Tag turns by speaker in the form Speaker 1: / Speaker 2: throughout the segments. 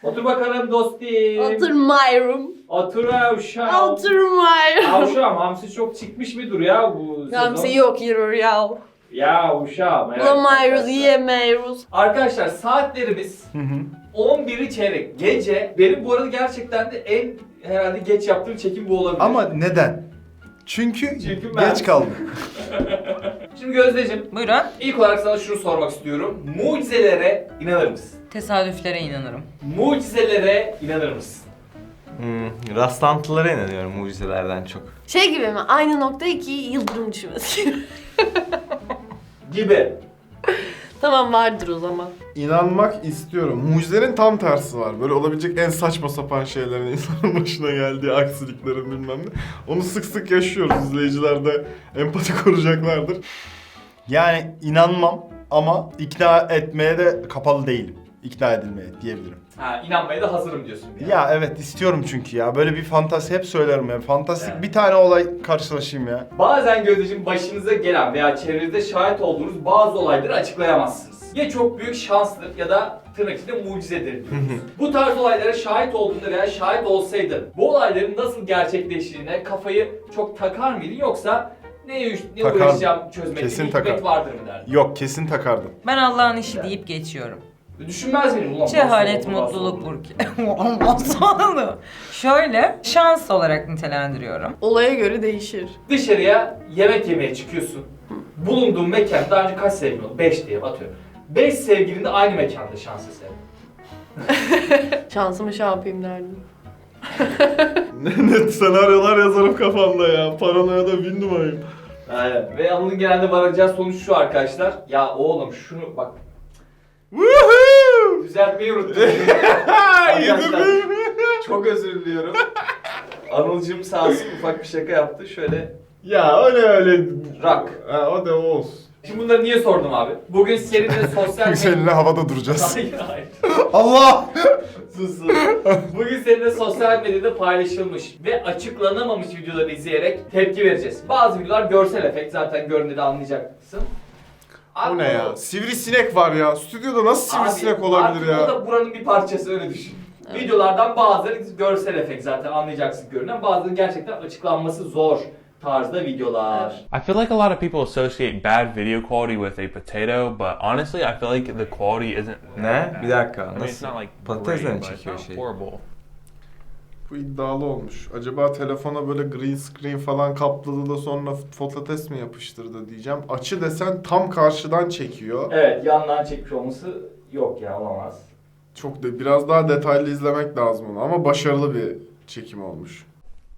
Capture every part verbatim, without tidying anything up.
Speaker 1: Otur bakalım dostum.
Speaker 2: Oturmuyorum.
Speaker 1: Otur avşam.
Speaker 2: Oturmuyorum.
Speaker 1: Avşam hamsi çok çıkmış mıdır ya bu sezon?
Speaker 2: Hamsi yok yürür ya.
Speaker 1: Ya uşağım. evet
Speaker 2: Bulamıyoruz,
Speaker 1: arkadaşlar.
Speaker 2: yiyemiyoruz.
Speaker 1: Arkadaşlar saatlerimiz
Speaker 3: Hı hı.
Speaker 1: on biri çeyrek. Gece. Benim bu arada gerçekten de en herhalde geç yaptığım çekim bu olabilir.
Speaker 3: Ama neden? Çünkü,
Speaker 1: Çünkü ben-
Speaker 3: geç kaldım.
Speaker 1: Şimdi Gözdeciğim,
Speaker 4: Buyurun.
Speaker 1: ilk olarak sana şunu sormak istiyorum. Mucizelere inanır mısın?
Speaker 4: Tesadüflere inanırım.
Speaker 1: Mucizelere inanır mısın?
Speaker 5: Hmm, rastlantılara inanıyorum mucizelerden çok.
Speaker 2: Şey gibi mi? Aynı nokta iki yıldırım düşmesi gibi.
Speaker 1: Gibi.
Speaker 2: Tamam vardır o zaman.
Speaker 6: İnanmak istiyorum. Mucizenin tam tersi var. Böyle olabilecek en saçma sapan şeylerin insanın başına geldiği, aksiliklerin bilmem ne. Onu sık sık yaşıyoruz. İzleyiciler de empati kuracaklardır.
Speaker 3: Yani inanmam ama ikna etmeye de kapalı değilim. İkna edilmeye diyebilirim.
Speaker 1: Ha, inanmaya da hazırım diyorsun. Yani.
Speaker 3: Ya evet istiyorum çünkü ya. Böyle bir fantasi hep söylerim ya. Fantastik
Speaker 1: Evet.
Speaker 3: bir tane olay karşılaşayım ya.
Speaker 1: Bazen Gözdeciğim başınıza gelen veya çevrenizde şahit olduğunuz bazı olayları açıklayamazsınız. Ya çok büyük şanstır ya da tırnak içinde mucizedir diyoruz. Bu tarz olaylara şahit olduğunda veya şahit olsaydın bu olayların nasıl gerçekleştiğine kafayı çok takar mıydın yoksa ne, ne
Speaker 3: Takardım.
Speaker 1: uğraşacağım çözmekte
Speaker 3: Kesin
Speaker 1: bir hikmet
Speaker 3: takar.
Speaker 1: vardır mı derdin?
Speaker 3: Yok kesin takardım.
Speaker 4: Ben Allah'ın işi deyip geçiyorum.
Speaker 1: Düşünmez miydim ulan?
Speaker 4: Cehalet,
Speaker 1: nasıl oldu, nasıl
Speaker 4: mutluluk
Speaker 1: oldu?
Speaker 4: burki. Olmaz oldu. Şöyle, şans olarak nitelendiriyorum.
Speaker 2: Olaya göre değişir.
Speaker 1: Dışarıya yemek yemeye çıkıyorsun. Bulunduğun mekan daha önce kaç sevgilin oldu? beş diye atıyorum. beş sevgilin de aynı mekanda şans eseri.
Speaker 2: Şansımı şey yapayım derdim.
Speaker 6: Ne net senaryolar yazarım kafamda ya. Paranoya da bin numarayım.
Speaker 1: Aynen. Ve onun genelde varacağı sonuç şu arkadaşlar. Ya oğlum şunu bak.
Speaker 6: Woohoo!
Speaker 1: Düzeltmeyi unuttum. Arkadaşlar, çok özür diliyorum. Anılcım sağ olsun ufak bir şaka yaptı. Şöyle
Speaker 6: Ya öyle öyle.
Speaker 1: Rock.
Speaker 6: Ha, o da olsun.
Speaker 1: Şimdi bunları niye sordum abi? Bugün seninle sosyal
Speaker 3: Seninle havada duracağız.
Speaker 1: Hayır hayır.
Speaker 3: Allah!
Speaker 1: Sus sus. Bugün seninle sosyal medyada paylaşılmış ve açıklanamamış videoları izleyerek tepki vereceğiz. Bazı videolar görsel efekt, zaten görünce de anlayacaksın.
Speaker 6: O ne ya? Sivrisinek var ya. Stüdyoda nasıl sivrisinek olabilir ya?
Speaker 1: O da buranın bir parçası, öyle düşün.
Speaker 2: Evet.
Speaker 1: Videolardan bazıları görsel efekt, zaten anlayacaksın görünen. Bazıları gerçekten açıklanması zor tarzda videolar.
Speaker 7: I feel like a lot of people associate bad video quality with a potato, but honestly, I feel like the quality isn't.
Speaker 5: Ne? Bir dakika.
Speaker 7: I mean, it's
Speaker 5: Nasıl?
Speaker 7: not like
Speaker 5: Patatesle mi
Speaker 7: great, but it's
Speaker 5: çekiyor
Speaker 7: not
Speaker 5: şey?
Speaker 7: horrible.
Speaker 6: Bu iddialı olmuş. Acaba telefona böyle green screen falan kapladı da sonra fototes mi yapıştırdı diyeceğim. Açı desen tam karşıdan çekiyor.
Speaker 1: Evet, yandan çekmiş olması yok ya, olamaz.
Speaker 6: Çok da biraz daha detaylı izlemek lazım onu ama başarılı bir çekim olmuş.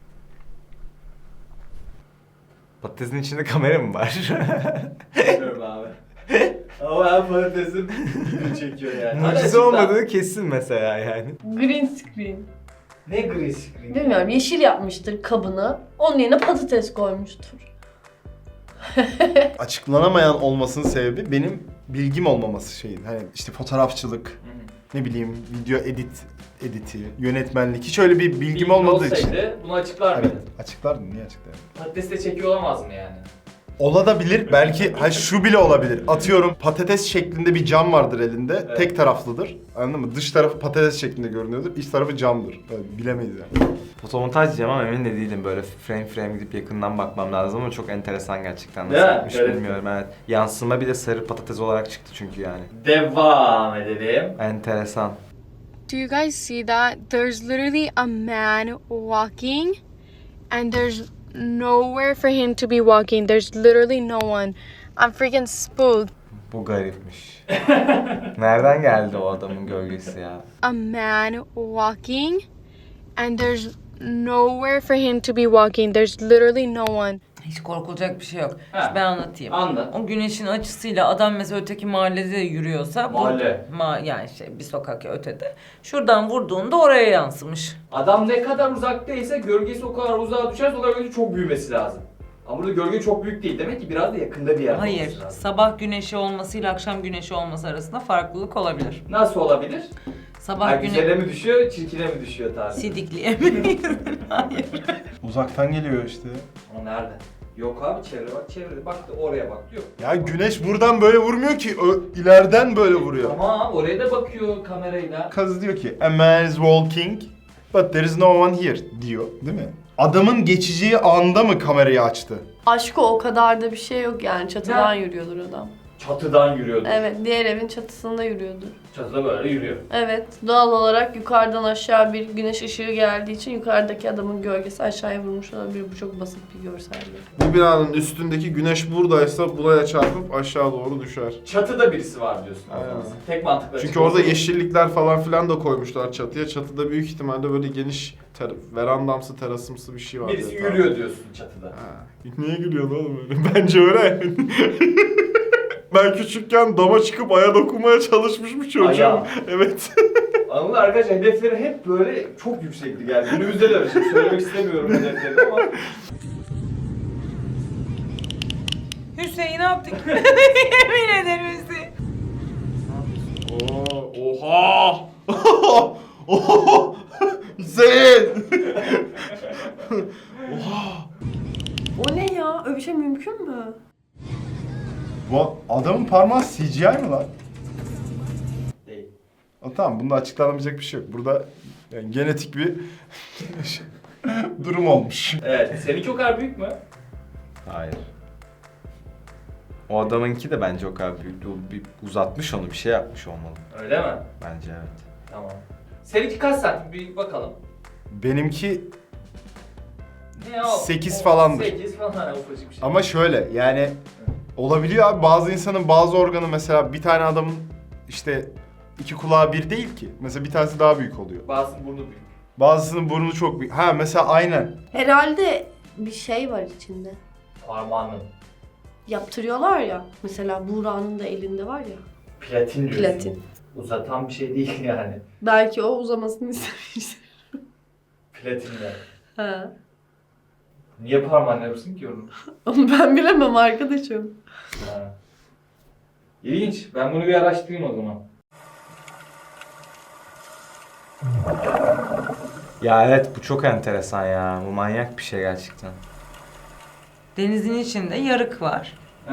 Speaker 5: Patatesin içinde kamera mı var?
Speaker 1: Bilmiyorum abi. Ama ben patatesin video çekiyor yani. Hadi
Speaker 5: Mucize
Speaker 1: açıkla.
Speaker 5: olmadığı kesin mesela yani.
Speaker 2: Green screen.
Speaker 1: Ne green screen?
Speaker 2: Bilmiyorum, yeşil yapmıştır kabını. Onun yerine patates koymuştur.
Speaker 3: Açıklanamayan olmasının sebebi benim bilgim olmaması şeyin. Hani işte fotoğrafçılık, ne bileyim video edit editi, yönetmenlik hiç öyle bir bilgim
Speaker 1: Bilgi
Speaker 3: olmadığı için.
Speaker 1: olsaydı bunu açıklar mıydın?
Speaker 3: Evet, açıklardım. Niye açıklardım?
Speaker 1: Patates de çekiyor olamaz mı yani?
Speaker 3: Olabilir. Belki ha şu bile olabilir. Atıyorum patates şeklinde bir cam vardır elinde.
Speaker 1: Evet.
Speaker 3: Tek taraflıdır. Anladın mı? Dış tarafı patates şeklinde görünüyordur. İç tarafı camdır. Böyle bilemeyiz yani.
Speaker 5: Fotomontaj diyeceğim ama emin de değilim. Böyle frame frame gidip yakından bakmam lazım ama çok enteresan gerçekten.
Speaker 1: Değil
Speaker 5: Nasıl
Speaker 1: mi?
Speaker 5: yapmış
Speaker 1: Evet.
Speaker 5: bilmiyorum. Evet. Yansıma bir de sarı patates olarak çıktı çünkü yani.
Speaker 1: Devam edelim.
Speaker 5: Enteresan.
Speaker 8: Do you guys see that? There's literally a man walking and there's nowhere for him to be walking. There's literally no one. I'm freaking spooked.
Speaker 5: Bu garipmiş. Nereden geldi o adamın gölgesi ya?
Speaker 8: A man walking and there's nowhere for him to be walking. There's literally no one.
Speaker 4: Hiç korkulacak bir şey yok.
Speaker 1: Ha.
Speaker 4: Şimdi ben anlatayım.
Speaker 1: Anlat.
Speaker 4: O güneşin açısıyla adam mesela öteki mahallede yürüyorsa... bu-
Speaker 1: Mahalle.
Speaker 4: Ma yani şey bir sokak ötede. Şuradan vurduğunda oraya yansımış.
Speaker 1: Adam ne kadar uzaktaysa gölgesi o kadar uzağa düşerse o kadar gölge çok büyümesi lazım. Ama burada gölge çok büyük değil. Demek ki biraz da yakında bir yerde
Speaker 4: Hayır.
Speaker 1: olması lazım.
Speaker 4: Sabah güneşi olmasıyla akşam güneşi olması arasında farklılık olabilir.
Speaker 1: Nasıl olabilir?
Speaker 4: Sabah
Speaker 1: Ha,
Speaker 4: güneşi...
Speaker 1: güzele mi düşüyor, çirkine mi düşüyor tabii?
Speaker 4: Sidikliye mi? Hayır.
Speaker 3: Uzaktan geliyor işte.
Speaker 1: O nerede? Yok abi çevre bak çevrede bak da oraya bak diyor.
Speaker 3: Ya güneş buradan böyle vurmuyor ki. Ö- ileriden böyle vuruyor.
Speaker 1: Tamam oraya da bakıyor kamerayla.
Speaker 3: Kız diyor ki a man is walking but there is no one here diyor değil mi? Adamın geçeceği anda mı kamerayı açtı?
Speaker 2: Aşkı o kadar da bir şey yok yani. Çatıdan
Speaker 1: Ya.
Speaker 2: yürüyordur adam.
Speaker 1: Çatıdan yürüyordu.
Speaker 2: Evet, diğer evin çatısında yürüyordur.
Speaker 1: Çatıda böyle yürüyor.
Speaker 2: Evet, doğal olarak yukarıdan aşağı bir güneş ışığı geldiği için yukarıdaki adamın gölgesi aşağıya vurmuş olabilir. Bu çok basit bir görsellik.
Speaker 6: Bu binanın üstündeki güneş buradaysa buraya çarpıp aşağı doğru düşer.
Speaker 1: Çatıda birisi var diyorsun. o
Speaker 6: Aynen.
Speaker 1: zaman. Tek mantıklı.
Speaker 6: Çünkü
Speaker 1: açıklaması
Speaker 6: orada
Speaker 1: bu.
Speaker 6: yeşillikler falan filan da koymuşlar çatıya. Çatıda büyük ihtimalle böyle geniş ter- verandamsı, terasımsı bir şey var.
Speaker 1: Birisi
Speaker 6: diye
Speaker 1: yürüyor diyorsun çatıda.
Speaker 6: Ha. Niye gülüyorsun oğlum öyle? Bence öyle. Ben küçükken dama çıkıp aya dokunmaya çalışmış bir çocuğum.
Speaker 1: Aya.
Speaker 6: Evet.
Speaker 1: Anladın mı arkadaşlar? Hedefleri hep böyle çok yüksekti yani. Günümüzde de öyle. Şimdi söylemek istemiyorum hedeflerini ama.
Speaker 4: Hüseyin ne yaptık? Yemin ederim Hüseyin.
Speaker 6: Oo, oha! Oha! Hüseyin!
Speaker 2: O ne ya? Öyle bir şey mümkün mü?
Speaker 3: Bu adamın parmağı C G I mi lan?
Speaker 1: Değil.
Speaker 3: O, tamam bunda açıklanamayacak bir şey yok. Burada yani genetik bir durum olmuş.
Speaker 1: Evet. Seninki o kadar büyük mü?
Speaker 5: Hayır. O adamınki de bence o kadar büyüktü. O bir uzatmış onu, bir şey yapmış olmalı.
Speaker 1: Öyle mi?
Speaker 5: Bence evet.
Speaker 1: Tamam. Seninki kaç santim? Bir bakalım.
Speaker 3: Benimki
Speaker 1: Ne o?
Speaker 3: Sekiz
Speaker 1: O-
Speaker 3: falandır.
Speaker 1: sekiz falan hani ufacık bir şey.
Speaker 3: ama şöyle yani olabiliyor abi, bazı insanın bazı organı, mesela bir tane adamın işte iki kulağı bir değil ki. Mesela bir tanesi daha büyük oluyor.
Speaker 1: Bazısının burnu büyük.
Speaker 3: Bazısının burnu çok büyük. Ha mesela aynen.
Speaker 2: Herhalde bir şey var içinde.
Speaker 1: Parmağının.
Speaker 2: Yaptırıyorlar ya. Mesela Buğra'nın da elinde var ya.
Speaker 1: Platin diyorsun.
Speaker 2: Platin.
Speaker 1: Uzatan bir şey değil yani.
Speaker 2: Belki o uzamasını istemiş.
Speaker 1: Platinle.
Speaker 2: Ha.
Speaker 1: Niye parmağını yapsın ki onu?
Speaker 2: Onu ben bilemem arkadaşım.
Speaker 1: Ha. İlginç. Ben bunu bir araştırayım o zaman.
Speaker 5: Ya evet, bu çok enteresan ya. Bu manyak bir şey gerçekten.
Speaker 4: Denizin içinde yarık var.
Speaker 1: He.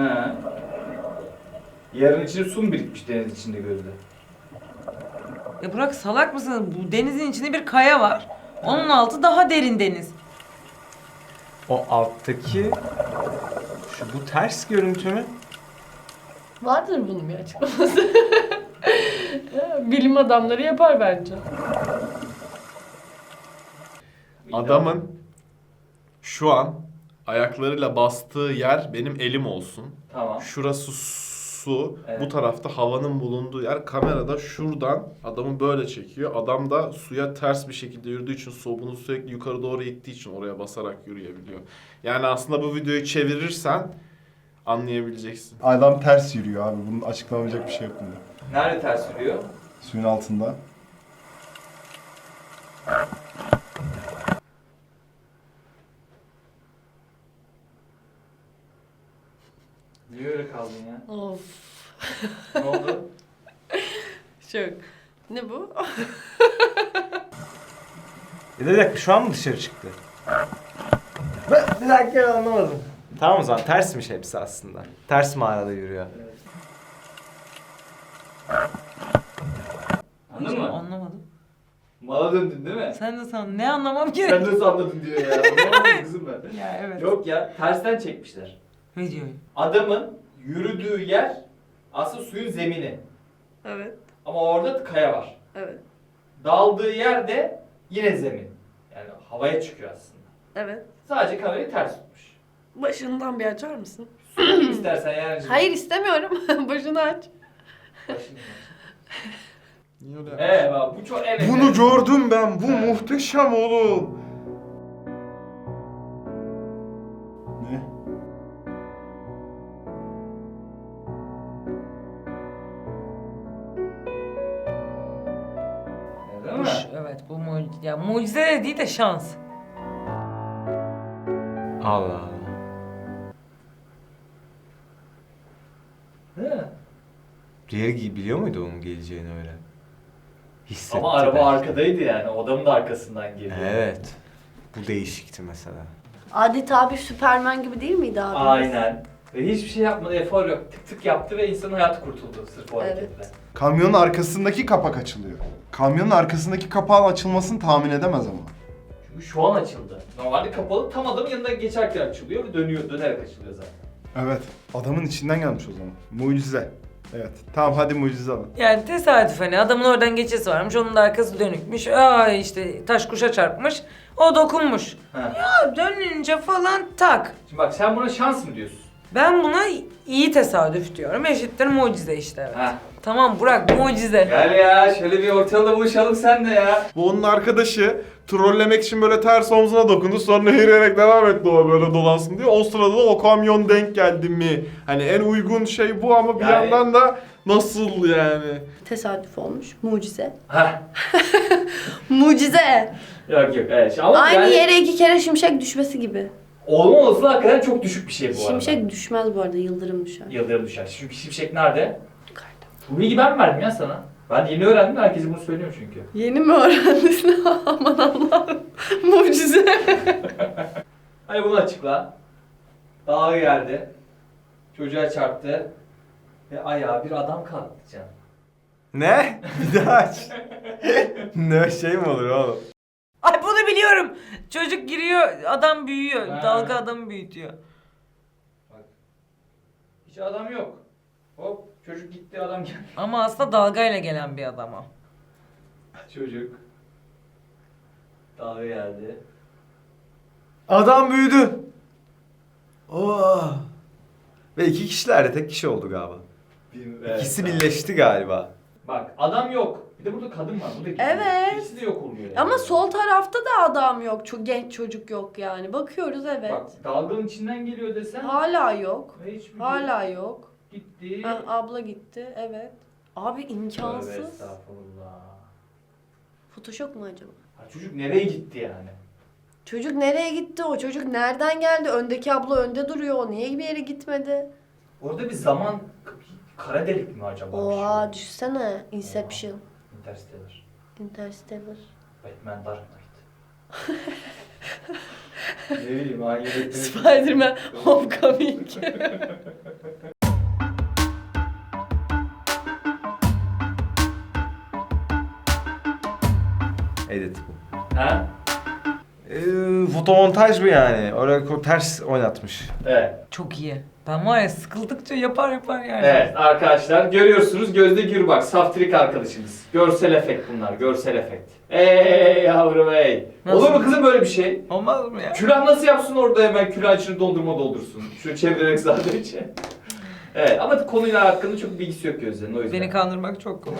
Speaker 1: Yarın içinde su mu birikmiş deniz içinde gözde?
Speaker 4: Ya Burak salak mısın? Bu denizin içinde bir kaya var. Onun altı daha derin deniz.
Speaker 5: O alttaki... Şu bu ters görüntü mü?
Speaker 2: Vardır bunun bir açıklaması. Bilim adamları yapar bence.
Speaker 6: Adamın şu an ayaklarıyla bastığı yer benim elim olsun.
Speaker 1: Tamam.
Speaker 6: Şurası su,
Speaker 1: Evet.
Speaker 6: bu tarafta havanın bulunduğu yer. Kamerada şuradan adamı böyle çekiyor. Adam da suya ters bir şekilde yürüdüğü için, su bunu sürekli yukarı doğru ittiği için oraya basarak yürüyebiliyor. Yani aslında bu videoyu çevirirsen anlayabileceksin.
Speaker 3: Adam ters yürüyor abi. Bunun açıklanamayacak bir şey yok bunda.
Speaker 1: Nerede ters yürüyor?
Speaker 3: Suyun altında.
Speaker 1: Niye öyle kaldın ya?
Speaker 2: Of.
Speaker 1: Ne oldu?
Speaker 2: Çok. Ne bu?
Speaker 5: Ya da bir dakika, şu an mı dışarı çıktı? Ben bir dakika anlamadım. Tamam o zaman, tersmiş hepsi aslında. Ters mağarada yürüyor.
Speaker 1: Anladın mı?
Speaker 4: Anlamadım.
Speaker 1: Mala döndün değil mi?
Speaker 4: Sen de san ne anlamam
Speaker 1: Sen
Speaker 4: gerek?
Speaker 1: nasıl anladın diyor ya. Anlamadım kızım ben.
Speaker 4: Ya evet.
Speaker 1: Yok ya tersten çekmişler.
Speaker 4: Videoyu.
Speaker 1: Adamın yürüdüğü yer aslında suyun zemini.
Speaker 2: Evet.
Speaker 1: Ama orada kaya var.
Speaker 2: Evet.
Speaker 1: Daldığı yer de yine zemin. Yani havaya çıkıyor aslında.
Speaker 2: Evet.
Speaker 1: Sadece kamerayı ters tutmuş.
Speaker 2: Başından bir açar mısın?
Speaker 1: İstersen yani.
Speaker 2: Hayır istemiyorum. Başını aç.
Speaker 1: Başını.
Speaker 6: Niye öyle?
Speaker 1: Evet bak bu çok evet.
Speaker 6: Bunu gördüm ben. Bu muhteşem oğlum.
Speaker 3: Ne?
Speaker 1: Değil
Speaker 4: Bu,
Speaker 1: mi?
Speaker 4: ş- evet bu mucize. Ya mucize de değil de şans.
Speaker 5: Allah Allah.
Speaker 1: Değil mi?
Speaker 5: Diğeri biliyor muydu onun geleceğini öyle? Hissetti
Speaker 1: Ama araba
Speaker 5: belki.
Speaker 1: arkadaydı yani. O adamın da arkasından geliyor.
Speaker 5: Evet. Bu değişikti mesela.
Speaker 2: Adeta bir Süpermen gibi değil miydi abi?
Speaker 1: Aynen. Ve hiçbir şey yapmadı, efor yok. Tık tık yaptı ve insanın hayatı kurtuldu sırf o
Speaker 2: Evet.
Speaker 1: hareketle.
Speaker 3: Kamyonun arkasındaki kapak açılıyor. Kamyonun arkasındaki kapağın açılmasını tahmin edemez ama.
Speaker 1: Çünkü şu an açıldı. Normalde kapalı, tam adamın yanından geçerken açılıyor ve dönüyor, dönerek açılıyor zaten.
Speaker 3: Evet. Adamın içinden gelmiş o zaman. Mucize. Evet. Tamam hadi mucize alın.
Speaker 4: Yani tesadüf hani adamın oradan geçesi varmış, onun da arkası dönükmüş. Aa işte taş kuşa çarpmış, o dokunmuş.
Speaker 1: Ha.
Speaker 4: Ya dönünce falan tak.
Speaker 1: Şimdi bak sen buna şans mı diyorsun?
Speaker 4: Ben buna iyi tesadüf diyorum. Eşittir mucize işte evet.
Speaker 1: Ha.
Speaker 4: Tamam Burak mucize.
Speaker 1: Gel ya şöyle bir ortalıkta buluşalım sen de ya.
Speaker 6: Bu onun arkadaşı trollemek için böyle ters omzuna dokundu, sonra yürüyerek devam etti o böyle dolansın diye. O sırada da o kamyon denk geldi mi? Hani en uygun şey bu ama bir
Speaker 1: Yani-
Speaker 6: yandan da nasıl yani?
Speaker 2: Tesadüf olmuş. Mucize.
Speaker 1: Ha.
Speaker 2: Mucize.
Speaker 1: Yok yok evet. Ama
Speaker 2: Aynı
Speaker 1: yani
Speaker 2: yere iki kere şimşek düşmesi gibi.
Speaker 1: olma olasılığı hakikaten çok düşük bir şey bu arada.
Speaker 2: Şimşek düşmez bu arada, yıldırım düşer.
Speaker 1: Yıldırım düşer. Çünkü şimşek nerede?
Speaker 2: Yukarıda.
Speaker 1: Bu bilgi ben mi verdim ya sana? Ben yeni öğrendim, herkese bunu söylüyorum çünkü.
Speaker 2: Yeni mi öğrendin? Aman Allah'ım. Mucize.
Speaker 1: Hadi bunu açıkla. Dağa geldi. Çocuğa çarptı. Ve ayağa bir adam kalktı canım.
Speaker 5: Ne? Bir daha aç. Ne şey mi olur oğlum?
Speaker 4: Ay bunu biliyorum. Çocuk giriyor, adam büyüyor.
Speaker 1: Ha.
Speaker 4: Dalga adamı büyütüyor.
Speaker 1: Bak. Hiç adam yok. Hop çocuk gitti, adam geldi.
Speaker 4: Ama aslında dalgayla gelen bir adam o.
Speaker 1: Çocuk. Dağa geldi.
Speaker 5: Adam büyüdü. Oh. Ve iki kişiler de tek kişi oldu galiba.
Speaker 1: Bir- evet,
Speaker 5: İkisi
Speaker 1: tamam.
Speaker 5: birleşti galiba.
Speaker 1: Bak adam yok. Bir de burada kadın var. Bu da gidiyor.
Speaker 2: Evet.
Speaker 1: İkisi de yok oluyor yani.
Speaker 2: Ama sol tarafta da adam yok. Çok genç çocuk yok yani. Bakıyoruz evet.
Speaker 1: Bak dalganın içinden geliyor desen.
Speaker 2: Hala yok.
Speaker 1: Ve hiçbir
Speaker 2: Hala yok.
Speaker 1: gitti.
Speaker 2: Ha, abla gitti. Evet. Abi
Speaker 1: Tövbe
Speaker 2: imkansız.
Speaker 1: estağfurullah.
Speaker 2: Photoshop mu acaba?
Speaker 1: Ha, çocuk nereye gitti yani?
Speaker 2: Çocuk nereye gitti? O çocuk nereden geldi? Öndeki abla önde duruyor. O niye bir yere gitmedi?
Speaker 1: Orada bir zaman kara delik mi acaba?
Speaker 2: Oha
Speaker 1: Şu-
Speaker 2: düşsene. Inception.
Speaker 1: Interstellar.
Speaker 2: Interstellar.
Speaker 1: Batman Dark Knight. Ne bileyim hangi Batman'i-
Speaker 2: Spider-Man Homecoming.
Speaker 5: Edit bu.
Speaker 1: Ha?
Speaker 5: Ee, fotomontaj bu yani. Oraya ko- ters oynatmış.
Speaker 1: Evet.
Speaker 4: Çok iyi. Ben var ya sıkıldıkça yapar yapar yani.
Speaker 1: Evet arkadaşlar görüyorsunuz Gözde Gürbak, Saftirik arkadaşımız. Görsel efekt bunlar, görsel efekt. Ey yavrum ey.
Speaker 4: Nasıl?
Speaker 1: Olur mu kızım böyle bir şey?
Speaker 4: Olmaz mı ya?
Speaker 1: Külah nasıl yapsın orada hemen külah içine dondurma doldursun. Şöyle çevirerek sadece. Evet ama konuyla hakkında çok bilgisi yok Gözde'nin o yüzden.
Speaker 4: Beni kandırmak çok kolay.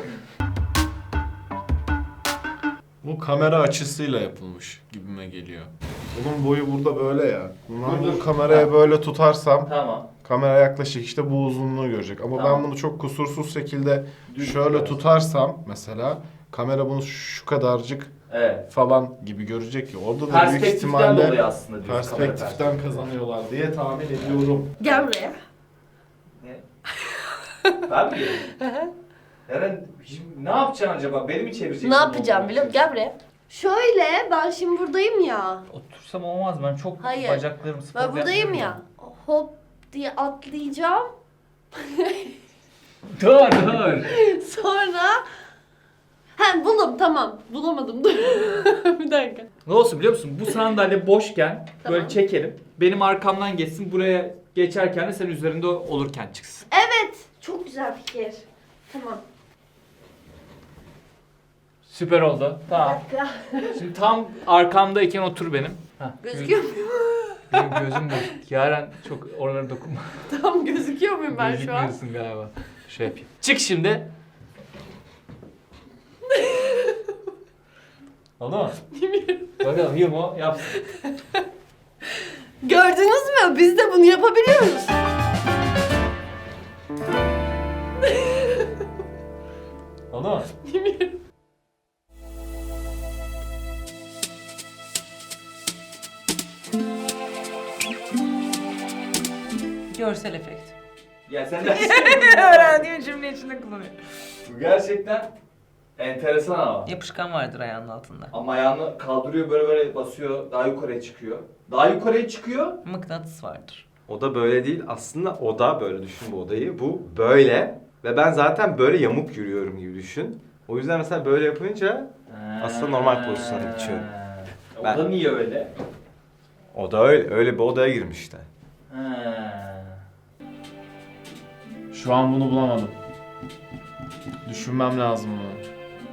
Speaker 6: Bu kamera açısıyla yapılmış gibime geliyor. Bunun boyu burada böyle ya. Ben
Speaker 1: Dur, dur.
Speaker 6: bu kameraya
Speaker 1: Ha.
Speaker 6: böyle tutarsam
Speaker 1: Tamam.
Speaker 6: kamera yaklaşık işte bu uzunluğu görecek. Ama
Speaker 1: Tamam.
Speaker 6: ben bunu çok kusursuz şekilde
Speaker 1: Düz
Speaker 6: şöyle
Speaker 1: tutarsın.
Speaker 6: tutarsam mesela kamera bunu şu kadarcık
Speaker 1: Evet.
Speaker 6: falan gibi görecek ki. Orada da büyük
Speaker 1: Perspektiften
Speaker 6: ihtimalle
Speaker 1: dolayı aslında diyorsun. kamera
Speaker 6: perspektiften kazanıyorlar diye tahmin ediyorum.
Speaker 2: Gel buraya.
Speaker 1: Ne? Ben mi geleyim? Eren şimdi ne yapacaksın acaba? Beni mi çevireceksin?
Speaker 2: Ne yapacağım biliyor musun? Gel buraya. Şöyle ben şimdi buradayım ya.
Speaker 1: Otursam olmaz, ben çok
Speaker 2: Hayır.
Speaker 1: bacaklarım spor
Speaker 2: Ben buradayım ya. Hop diye atlayacağım.
Speaker 1: Dur dur.
Speaker 2: Sonra He buldum tamam. Bulamadım dur. Bir dakika.
Speaker 1: Ne olsun biliyor musun? Bu sandalye boşken
Speaker 2: Tamam.
Speaker 1: böyle çekelim. Benim arkamdan geçsin. Buraya geçerken de sen üzerinde olurken çıksın.
Speaker 2: Evet. Çok güzel fikir. Tamam.
Speaker 1: Süper oldu.
Speaker 2: Bir
Speaker 1: Tamam.
Speaker 2: dakika.
Speaker 1: Şimdi tam arkamdayken otur benim. Heh,
Speaker 2: Gözüküyor muyum?
Speaker 1: Benim gözüm boş. Yaren çok oralara dokunma.
Speaker 2: Tamam gözüküyor muyum ben şu an?
Speaker 1: Gözükmüyorsun galiba. Şöyle yapayım. Çık şimdi. Oldu mu? Bakalım Yılmo yapsın.
Speaker 2: Gördünüz mü? Biz de bunu yapabiliyoruz.
Speaker 1: Oldu mu?
Speaker 4: Görsel efekt.
Speaker 1: Ya sen de
Speaker 4: Öğrendiğim cümle içinde kullanıyorum.
Speaker 1: Bu gerçekten Enteresan ama.
Speaker 4: Yapışkan vardır ayağının altında.
Speaker 1: Ama ayağını kaldırıyor böyle böyle basıyor. Daha yukarıya çıkıyor. Daha yukarıya çıkıyor.
Speaker 4: Mıknatıs vardır.
Speaker 5: O da böyle değil. Aslında oda böyle düşün bu odayı. Bu böyle. Ve ben zaten böyle yamuk yürüyorum gibi düşün. O yüzden mesela böyle yapınca aslında normal pozisyona geçiyorum.
Speaker 1: O
Speaker 5: Ben-
Speaker 1: da niye öyle?
Speaker 5: o da öyle. Öyle bir odaya girmiş işte.
Speaker 1: Ha.
Speaker 6: Şu an bunu bulamadım. Düşünmem lazım bunu.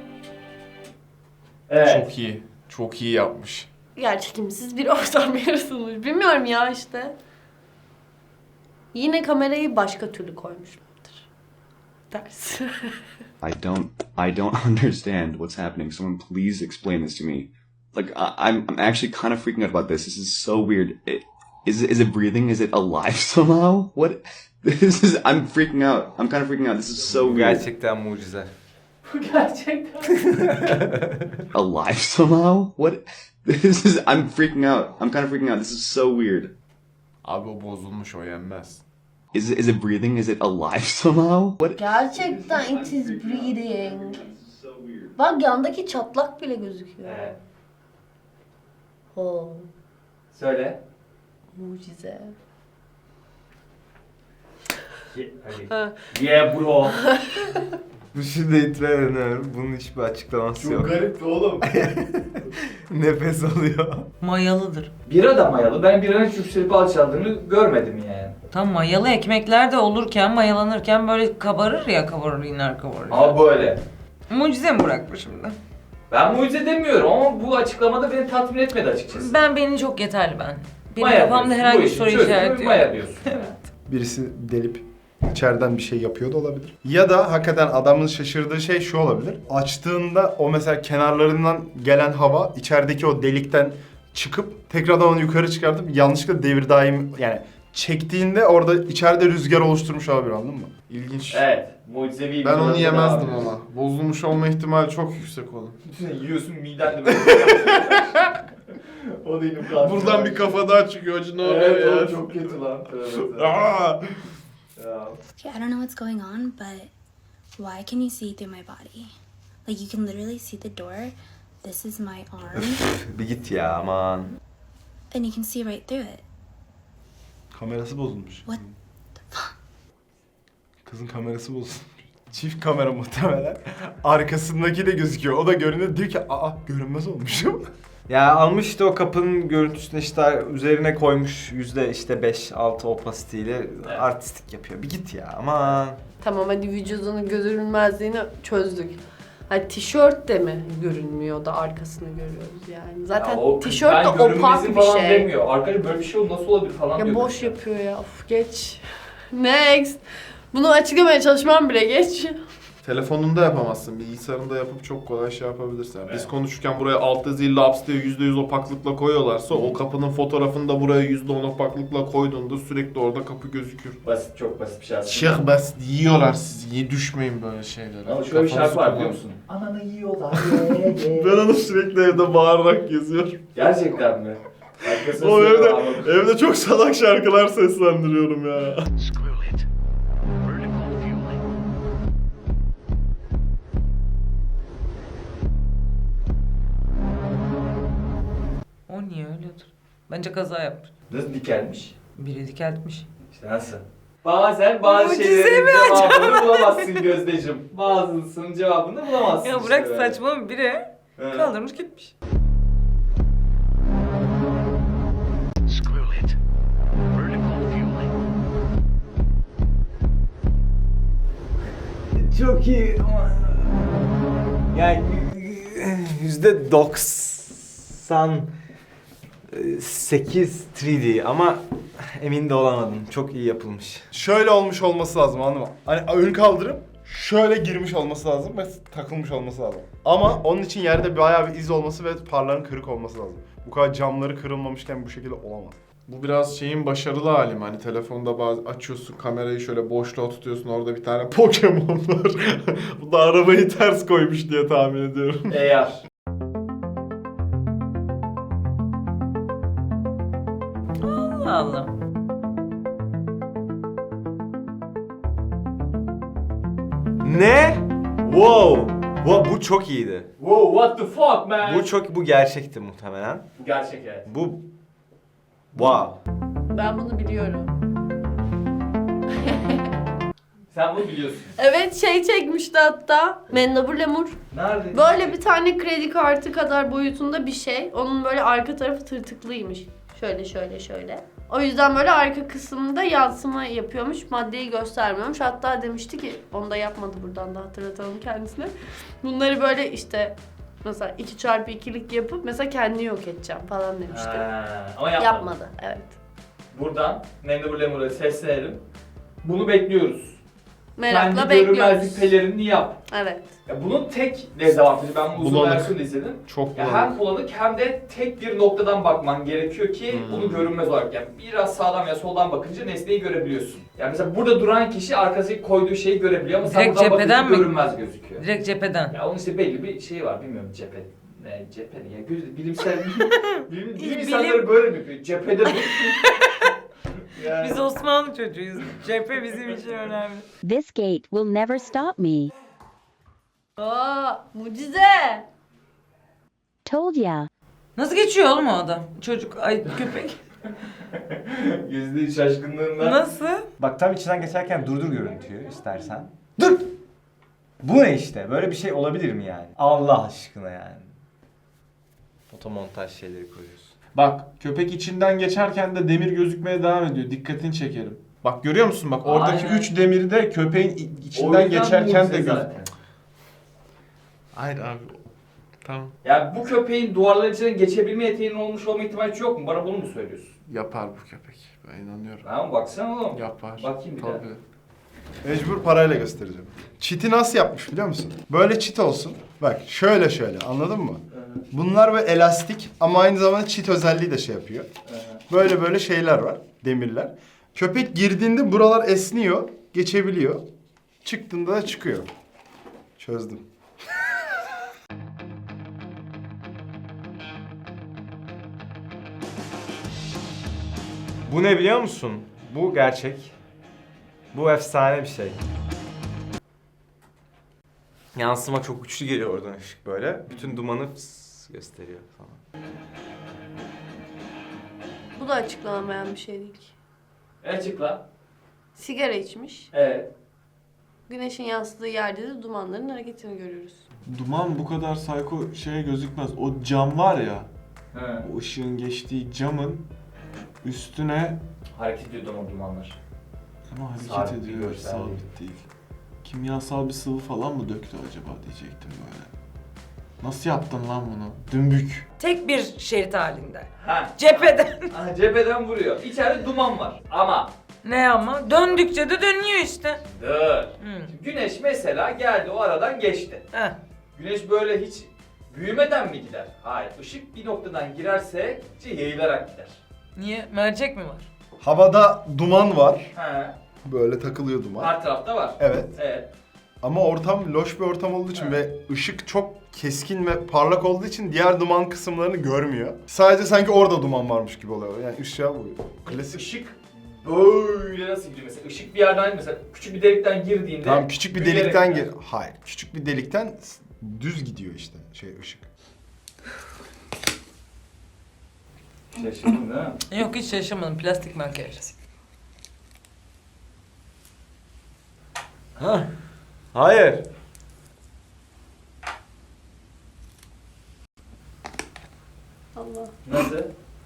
Speaker 1: Evet.
Speaker 6: Çok iyi. Çok iyi yapmış.
Speaker 2: Yerçekimsiz bir ortam yaratılmış. Bilmiyorum ya işte. Yine kamerayı başka türlü koymuşlardır. Ters.
Speaker 9: I don't I don't understand what's happening. Someone please explain this to me. Like I, I'm I'm actually kind of freaking out about this. This is so weird. It, is it is it breathing? Is it alive somehow? What? This is I'm freaking out. I'm kind of freaking out. This is so
Speaker 5: Bu
Speaker 9: weird.
Speaker 5: gerçekten mucize.
Speaker 1: Bu gerçekten.
Speaker 9: Alive somehow? What? This is I'm freaking out. I'm kind of freaking out. This is so weird.
Speaker 6: Abi o bozulmuş, o yenmez.
Speaker 9: Is it is it breathing? Is it alive somehow? What?
Speaker 2: Gerçekten it is breathing. Bak yandaki çatlak bile gözüküyor.
Speaker 1: Evet.
Speaker 2: Oh,
Speaker 1: Söyle.
Speaker 2: mucize.
Speaker 1: Ye- hadi.
Speaker 2: Ha.
Speaker 1: Yeah bro.
Speaker 5: Bu şimdi itiraf bunun hiçbir açıklaması yok.
Speaker 6: garipti oğlum.
Speaker 5: Nefes alıyor.
Speaker 4: Mayalıdır.
Speaker 1: Bira da mayalı. Ben biranın hiç yükselip alçaldığını görmedim yani.
Speaker 4: Tam mayalı ekmekler de olurken, mayalanırken böyle kabarır ya, kabarır iner kabarır.
Speaker 1: Ama böyle.
Speaker 4: Mucize mi bırakmış şimdi?
Speaker 1: Ben mucize demiyorum ama bu açıklamada beni tatmin etmedi açıkçası.
Speaker 4: Ben beni çok yeterli ben. Benim
Speaker 1: Maya
Speaker 4: kafamda
Speaker 1: diyorsun.
Speaker 4: herhangi
Speaker 1: Bu
Speaker 4: bir
Speaker 1: işin
Speaker 4: soru
Speaker 1: çözümü
Speaker 4: işareti yok.
Speaker 1: Maya diyorsun.
Speaker 3: Birisi delip içeriden bir şey yapıyor da olabilir. Ya da hakikaten adamın şaşırdığı şey şu olabilir. Açtığında o mesela kenarlarından gelen hava içerideki o delikten çıkıp tekrardan onu yukarı çıkartıp yanlışlıkla devir daim yani çektiğinde orada içeride rüzgar oluşturmuş olabilir, anladın mı?
Speaker 6: İlginç.
Speaker 1: Evet. Mucizevi bir
Speaker 6: Ben onu
Speaker 1: durum
Speaker 6: yemezdim
Speaker 1: daha
Speaker 6: ama. Bozulmuş olma ihtimali çok yüksek oğlum.
Speaker 1: Bütün yiyorsun miden de böyle. O da inim kaldı.
Speaker 6: Buradan bir kafa daha çıkıyor. Acı ne oluyor
Speaker 1: Evet
Speaker 6: ya?
Speaker 1: oğlum çok kötü lan. Tövbe
Speaker 6: Aa!
Speaker 1: Ya.
Speaker 10: I don't know what's going on, but why can you see through my body? Like you can literally see the door. This is my arm,
Speaker 5: Bir git ya aman.
Speaker 10: and you can see right through it.
Speaker 3: Kamerası bozulmuş.
Speaker 10: What
Speaker 3: Kızın kamerası bozulmuş. Çift kamera muhtemelen. Arkasındaki de gözüküyor. O da görünüyor. Diyor ki aa görünmez olmuşum.
Speaker 5: Ya almış işte o kapının görüntüsünü işte üzerine koymuş yüzde işte beş altı opasiteyle artistik yapıyor. Bir git ya aman.
Speaker 2: Tamam hadi vücudunun görünmezliğini çözdük. Hani tişört de mi görünmüyor da arkasını görüyoruz yani. Zaten
Speaker 1: Ya o-
Speaker 2: tişört
Speaker 1: ben
Speaker 2: de opak
Speaker 1: görünmezim
Speaker 2: bir
Speaker 1: falan
Speaker 2: şey.
Speaker 1: demiyor. Arkadaş böyle bir şey nasıl olabilir falan
Speaker 2: Ya
Speaker 1: diyor.
Speaker 2: boş yapıyor ya. Of geç. Next. Bunu açıklamaya çalışmam bile geç.
Speaker 6: Telefonunda yapamazsın. Bilgisayarında yapıp çok kolay şey yapabilirsin. Yani biz konuşurken buraya alt yazıyı laps diye yüzde yüz opaklıkla koyuyorlarsa o kapının fotoğrafını da buraya yüzde on opaklıkla koyduğunda sürekli orada kapı gözükür.
Speaker 1: Basit, çok basit bir şey aslında.
Speaker 6: Çok basit. Yiyorlar sizi. Yiye düşmeyin böyle şeylere.
Speaker 1: Ama şöyle bir
Speaker 6: Kafanızı
Speaker 1: şarkı var
Speaker 6: kullanın.
Speaker 1: biliyor musun? Ananı yiyorlar. ye, ye.
Speaker 6: Ben onu sürekli evde bağırarak geziyorum.
Speaker 1: Gerçekten mi? Arkasını
Speaker 6: O evde,
Speaker 1: söylüyorum.
Speaker 6: evde çok salak şarkılar seslendiriyorum ya.
Speaker 4: O niye öyledir? Bence kaza yapmış.
Speaker 1: Nasıl dikelmiş?
Speaker 4: Biri dikeltmiş.
Speaker 1: İşte nasıl? Bazen bazı
Speaker 4: Mucize
Speaker 1: şeylerin
Speaker 4: mi
Speaker 1: cevabını bulamazsın Gözdeciğim. Bazısının cevabını bulamazsın
Speaker 4: Ya
Speaker 1: işte
Speaker 4: bırak
Speaker 1: böyle.
Speaker 4: saçma, biri
Speaker 1: Evet.
Speaker 4: kaldırmış gitmiş.
Speaker 5: Çok iyi ama yani yüzde doksan sekiz üç D ama emin de olamadım. Çok iyi yapılmış.
Speaker 3: Şöyle olmuş olması lazım, anladın mı? Hani ön kaldırıp şöyle girmiş olması lazım ve takılmış olması lazım. Ama onun için yerde bayağı bir iz olması ve parların kırık olması lazım. Bu kadar camları kırılmamışken bu şekilde olamaz.
Speaker 6: Bu biraz şeyin başarılı hali mi? Hani telefonda bazı açıyorsun kamerayı şöyle boşluğa tutuyorsun, orada bir tane Pokemon var. Bu da arabayı ters koymuş diye tahmin ediyorum.
Speaker 1: Eğer.
Speaker 4: Allah Allah.
Speaker 5: Ne? Wow! Bu, bu çok iyiydi.
Speaker 1: Wow, what the fuck man?
Speaker 5: Bu çok bu gerçekti muhtemelen.
Speaker 1: Bu gerçek evet.
Speaker 5: Bu wow.
Speaker 2: Ben bunu biliyorum.
Speaker 1: Sen bunu biliyorsun.
Speaker 2: Evet şey çekmişti hatta. Mendebur Lemur.
Speaker 1: Nerede?
Speaker 2: Böyle bir tane kredi kartı kadar boyutunda bir şey. Onun böyle arka tarafı tırtıklıymış. Şöyle şöyle şöyle. O yüzden böyle arka kısmında yansıma yapıyormuş. Maddeyi göstermiyormuş. Hatta demişti ki, onu da yapmadı, buradan da hatırlatalım kendisine. Bunları böyle işte mesela iki çarpı ikilik yapıp mesela kendini yok edeceğim falan demişti.
Speaker 1: Ha, ama yapmadı.
Speaker 2: Yapmadı, evet.
Speaker 1: Buradan Mendebur Lemur'a seslenelim. Bunu bekliyoruz.
Speaker 2: Merakla
Speaker 1: Kendi
Speaker 2: bekliyoruz.
Speaker 1: görünmezlik pelerini yap.
Speaker 2: Evet.
Speaker 1: Ya bunun tek dezavantajı, ben bu uzun
Speaker 3: Bulanık.
Speaker 1: versiyonu izledim.
Speaker 3: Çok
Speaker 1: Ya
Speaker 3: bulanık.
Speaker 1: hem bulanık hem de tek bir noktadan bakman gerekiyor ki
Speaker 3: Hmm.
Speaker 1: onu görünmez olarak, yani biraz sağdan ya soldan bakınca nesneyi görebiliyorsun. Yani mesela burada duran kişi arkasındaki koyduğu şeyi görebiliyor ama sen
Speaker 4: Direkt
Speaker 1: buradan
Speaker 4: cepheden
Speaker 1: bakınca
Speaker 4: mi?
Speaker 1: görünmez gözüküyor.
Speaker 4: Direkt cepheden.
Speaker 1: Ya onun işte belli bir şeyi var, bilmiyorum cephe. Ne cephe ne ya, göz, bilimsel bilim, bilim
Speaker 4: Bilim-
Speaker 1: insanları böyle mi yapıyor? Cephede dur. Yani.
Speaker 4: Biz Osmanlı çocuğuyuz. Cephe bizim için önemli.
Speaker 11: This gate will never stop me.
Speaker 2: Aa, mucize.
Speaker 11: Told ya.
Speaker 4: Nasıl geçiyor oğlum o adam? Çocuk, ay köpek.
Speaker 1: Yüzde şaşkınlığından.
Speaker 4: Nasıl?
Speaker 5: Bak tam içinden geçerken durdur görüntüyü istersen. Dur! Bu ne işte? Böyle bir şey olabilir mi yani? Allah aşkına yani. Fotomontaj şeyleri koyuyorsun.
Speaker 6: Bak köpek içinden geçerken de demir gözükmeye devam ediyor. Dikkatini çekerim. Bak görüyor musun? Bak oradaki
Speaker 1: Aynen.
Speaker 6: üç demiri de köpeğin i-
Speaker 1: O
Speaker 6: içinden
Speaker 1: yüzden
Speaker 6: geçerken
Speaker 1: mucize
Speaker 6: de göz.
Speaker 1: zaten.
Speaker 6: Hayır abi. Tamam.
Speaker 1: Yani bu köpeğin duvarların içinden geçebilme yeteneğinin olmuş olma ihtimali hiç yok mu? Bana bunu mu söylüyorsun?
Speaker 6: Yapar bu köpek. Ben inanıyorum.
Speaker 1: Ha baksana oğlum.
Speaker 6: Yapar.
Speaker 1: Bakayım bir daha.
Speaker 6: Tabii.
Speaker 3: Mecbur parayla göstereceğim. Çiti nasıl yapmış biliyor musun? Böyle çit olsun. Bak şöyle şöyle, anladın mı? Bunlar böyle elastik ama aynı zamanda çit özelliği de şey yapıyor. Böyle böyle şeyler var, demirler. Köpek girdiğinde buralar esniyor, geçebiliyor. Çıktığında da çıkıyor. Çözdüm.
Speaker 5: Bu ne biliyor musun? Bu gerçek. Bu efsane bir şey. Yansıma çok güçlü geliyor oradan ışık böyle. Bütün dumanı fıs gösteriyor falan.
Speaker 2: Bu da açıklanamayan bir şey değil ki.
Speaker 1: Açıkla.
Speaker 2: Sigara içmiş.
Speaker 1: Evet.
Speaker 2: Güneşin yansıdığı yerde de dumanların hareketini görüyoruz.
Speaker 6: Duman bu kadar psycho şeye gözükmez. O cam var ya.
Speaker 1: He.
Speaker 6: O ışığın geçtiği camın üstüne
Speaker 1: Hareket ediyor ama dumanlar.
Speaker 6: ama hareket
Speaker 1: Sabit bir
Speaker 6: ediyor.
Speaker 1: görsel
Speaker 6: Sabit değil. Kimyasal bir sıvı falan mı döktü acaba diyecektim böyle. Nasıl yaptın lan bunu? Dümbük.
Speaker 4: Tek bir şerit halinde.
Speaker 1: Ha.
Speaker 4: Cepheden.
Speaker 1: Ha, cepheden vuruyor. İçeride duman var. Ama
Speaker 4: Ne ama? Döndükçe de dönüyor işte.
Speaker 1: dur.
Speaker 4: Hı.
Speaker 1: Şimdi güneş mesela geldi, o aradan geçti.
Speaker 4: Heh.
Speaker 1: Güneş böyle hiç büyümeden mi gider? Hayır. Işık bir noktadan girerse yayılarak gider.
Speaker 4: Niye? Mercek mi var?
Speaker 3: Havada duman var.
Speaker 1: He.
Speaker 3: Böyle takılıyor duman.
Speaker 1: Her tarafta var.
Speaker 3: Evet.
Speaker 1: Evet.
Speaker 3: Ama ortam loş bir ortam olduğu için
Speaker 1: Evet.
Speaker 3: ve ışık çok keskin ve parlak olduğu için diğer duman kısımlarını görmüyor. Sadece sanki orada duman varmış gibi oluyor. Yani ışığa vuruyor. Klasik.
Speaker 1: Işık böyle nasıl gidiyor mesela? Işık bir yerden mesela küçük bir delikten girdiğinde
Speaker 3: Tamam küçük bir
Speaker 1: büyüyerek
Speaker 3: delikten
Speaker 1: gider.
Speaker 3: gir. Hayır. Küçük bir delikten düz gidiyor işte şey ışık.
Speaker 1: Şaşırdın değil mi?
Speaker 4: Yok hiç şaşırmadım. Plastik makyaj.
Speaker 5: Ha? Hayır.
Speaker 2: Allah.
Speaker 1: Nasıl?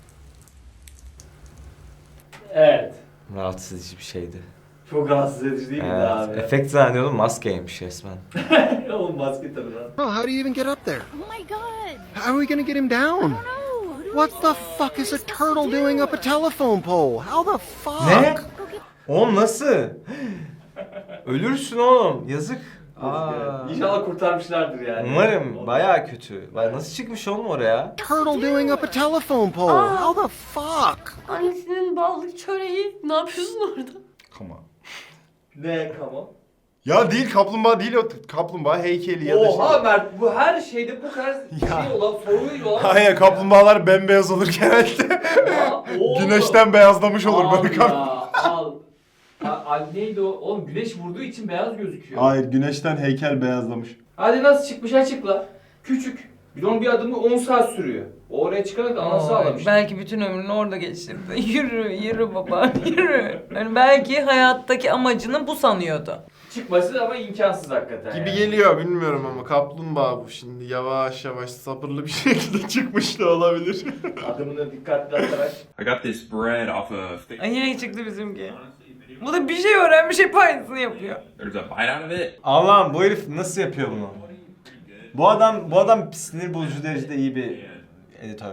Speaker 1: Evet.
Speaker 5: Rahatsız edici bir şeydi.
Speaker 1: Çok rahatsız edici değil mi
Speaker 5: Evet.
Speaker 1: abi?
Speaker 5: Efekt zannediyordum, maskeymiş resmen.
Speaker 1: Oğlum maske tabii lan.
Speaker 12: Oh, how do you even get up there?
Speaker 8: Oh my god.
Speaker 12: How are we gonna get him down?
Speaker 8: No.
Speaker 12: What the fuck is a turtle doing up a telephone pole? How the fuck?
Speaker 5: Ne? Oğlum nasıl? Ölürsün oğlum, yazık. Aa.
Speaker 1: İnşallah kurtarmışlardır yani.
Speaker 5: Umarım, bayağı kötü. Baya nasıl çıkmış oğlum oraya?
Speaker 12: Turtle doing up a telephone pole.
Speaker 2: Aa.
Speaker 12: How the fuck?
Speaker 2: Annesinin ballı çöreği. Ne yapıyorsun orada?
Speaker 3: Come on.
Speaker 1: Ne kamo?
Speaker 3: Ya değil kaplumbağa değil o kaplumbağa heykeli ya da
Speaker 1: Oha
Speaker 3: şey.
Speaker 1: Mert, bu her şeyde bu kadar şey olan, soruyla olan.
Speaker 3: Hayır kaplumbağalar bembeyaz olur genelde.
Speaker 1: Ya, oğlum.
Speaker 3: Güneşten beyazlamış olur
Speaker 1: Al
Speaker 3: böyle
Speaker 1: ya,
Speaker 3: kaplumbağa.
Speaker 1: al. A- al neydi o? Oğlum güneş vurduğu için beyaz gözüküyor.
Speaker 3: Hayır güneşten heykel beyazlamış.
Speaker 1: Hadi nasıl çıkmış açıkla. Küçük. Bir de onun bir adımı on saat sürüyor. O oraya çıkana da anası
Speaker 4: Oy,
Speaker 1: ağlamış.
Speaker 4: belki bütün ömrünü orada geçirdi. Yürü, yürü baba, yürü. Yani belki hayattaki amacını bu sanıyordu.
Speaker 1: Çıkması ama imkansız hakikaten.
Speaker 6: Gibi
Speaker 1: yani.
Speaker 6: geliyor bilmiyorum ama kaplumbağa bu şimdi yavaş yavaş sabırlı bir şekilde çıkmış da olabilir.
Speaker 1: Adımını dikkatli atarak.
Speaker 7: I got this bread off of.
Speaker 4: Ay yine çıktı bizimki. Bu da bir şey öğrenmiş, hep aynısını yapıyor.
Speaker 7: There's a bite out of it.
Speaker 5: Allah'ım bu herif nasıl yapıyor bunu? Bu adam bu adam sinir bozucu derecede iyi bir editör.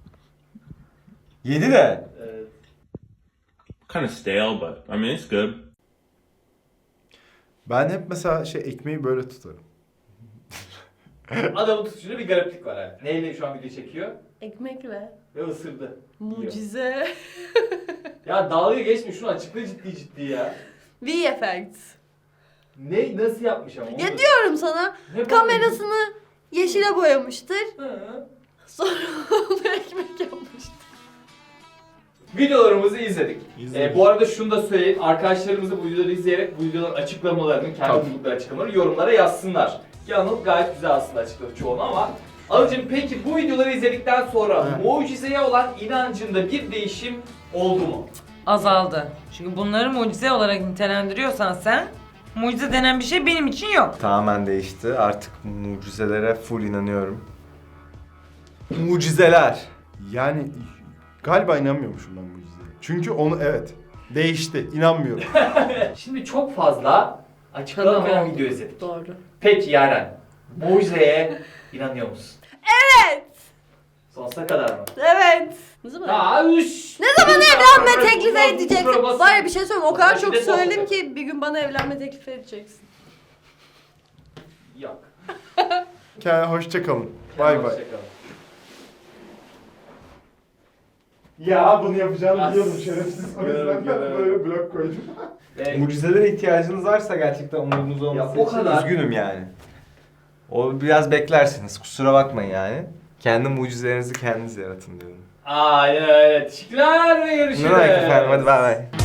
Speaker 5: Yedi de.
Speaker 1: Evet.
Speaker 7: Kind of stale, but I mean it's good.
Speaker 3: Ben hep mesela şey ekmeği böyle tutarım.
Speaker 1: Adamın tutuşunda bir gariplik var yani. Neyle şu an video çekiyor?
Speaker 2: Ekmekle.
Speaker 1: Ve ısırdı.
Speaker 2: Mucize.
Speaker 1: Ya dalga geçme şunu açıkla ciddi ciddi ya.
Speaker 2: V F X.
Speaker 1: Ne nasıl yapmış ama?
Speaker 2: Ya diyorum sana,
Speaker 1: Ne
Speaker 2: kamerasını yeşile boyamıştır.
Speaker 1: Hı.
Speaker 2: Sonra onu ekmek yapmıştır.
Speaker 1: Videolarımızı izledik.
Speaker 6: İzledik.
Speaker 1: Ee, bu arada şunu da söyleyeyim. Arkadaşlarımız da bu videoları izleyerek bu videoların açıklamalarını, kendi buldukları açıklamaları yorumlara yazsınlar. Ki Anıl gayet güzel aslında açıkladı çoğunu ama Anılcığım peki bu videoları izledikten sonra
Speaker 6: Evet.
Speaker 1: mucizeye olan inancında bir değişim oldu mu?
Speaker 4: Azaldı. Çünkü bunları mucize olarak nitelendiriyorsan sen, mucize denen bir şey benim için yok.
Speaker 5: Tamamen değişti. Artık mucizelere full inanıyorum. Mucizeler.
Speaker 3: Yani galiba inanmıyormuşum ben mucizeye. Çünkü onu evet değişti. İnanmıyorum.
Speaker 1: Şimdi çok fazla açıklanamayan video izledik.
Speaker 2: Doğru.
Speaker 1: Peki Yaren, mucizeye inanıyor musun?
Speaker 2: Evet.
Speaker 1: Sonsuza kadar mı?
Speaker 2: Evet. Ne zaman?
Speaker 1: Aa, üş.
Speaker 2: Ne zaman evlenme teklif
Speaker 1: Kusura
Speaker 2: edeceksin?
Speaker 1: basın.
Speaker 2: Var ya bir şey söyleyeyim, o kadar çok
Speaker 1: Şiddet
Speaker 2: söyledim
Speaker 1: olacak.
Speaker 2: ki bir gün bana evlenme teklif edeceksin.
Speaker 1: Yok.
Speaker 3: Kendine hoşça kalın. Bay bay.
Speaker 1: Hoşçakalın.
Speaker 3: Ya bunu yapacağını
Speaker 1: As-
Speaker 3: biliyordum şerefsiz. O yüzden
Speaker 1: Görelim,
Speaker 3: ben
Speaker 1: görelim.
Speaker 3: böyle blok koydum.
Speaker 1: Ee,
Speaker 5: Mucizelere ihtiyacınız varsa gerçekten umudunuz olması
Speaker 1: o
Speaker 5: için
Speaker 1: kadar.
Speaker 5: üzgünüm yani. O biraz beklersiniz. Kusura bakmayın yani. Kendi mucizelerinizi kendiniz yaratın diyorum.
Speaker 1: Aynen öyle. Teşekkürler ve görüşürüz.
Speaker 5: Ne demek efendim? Hadi bay bay.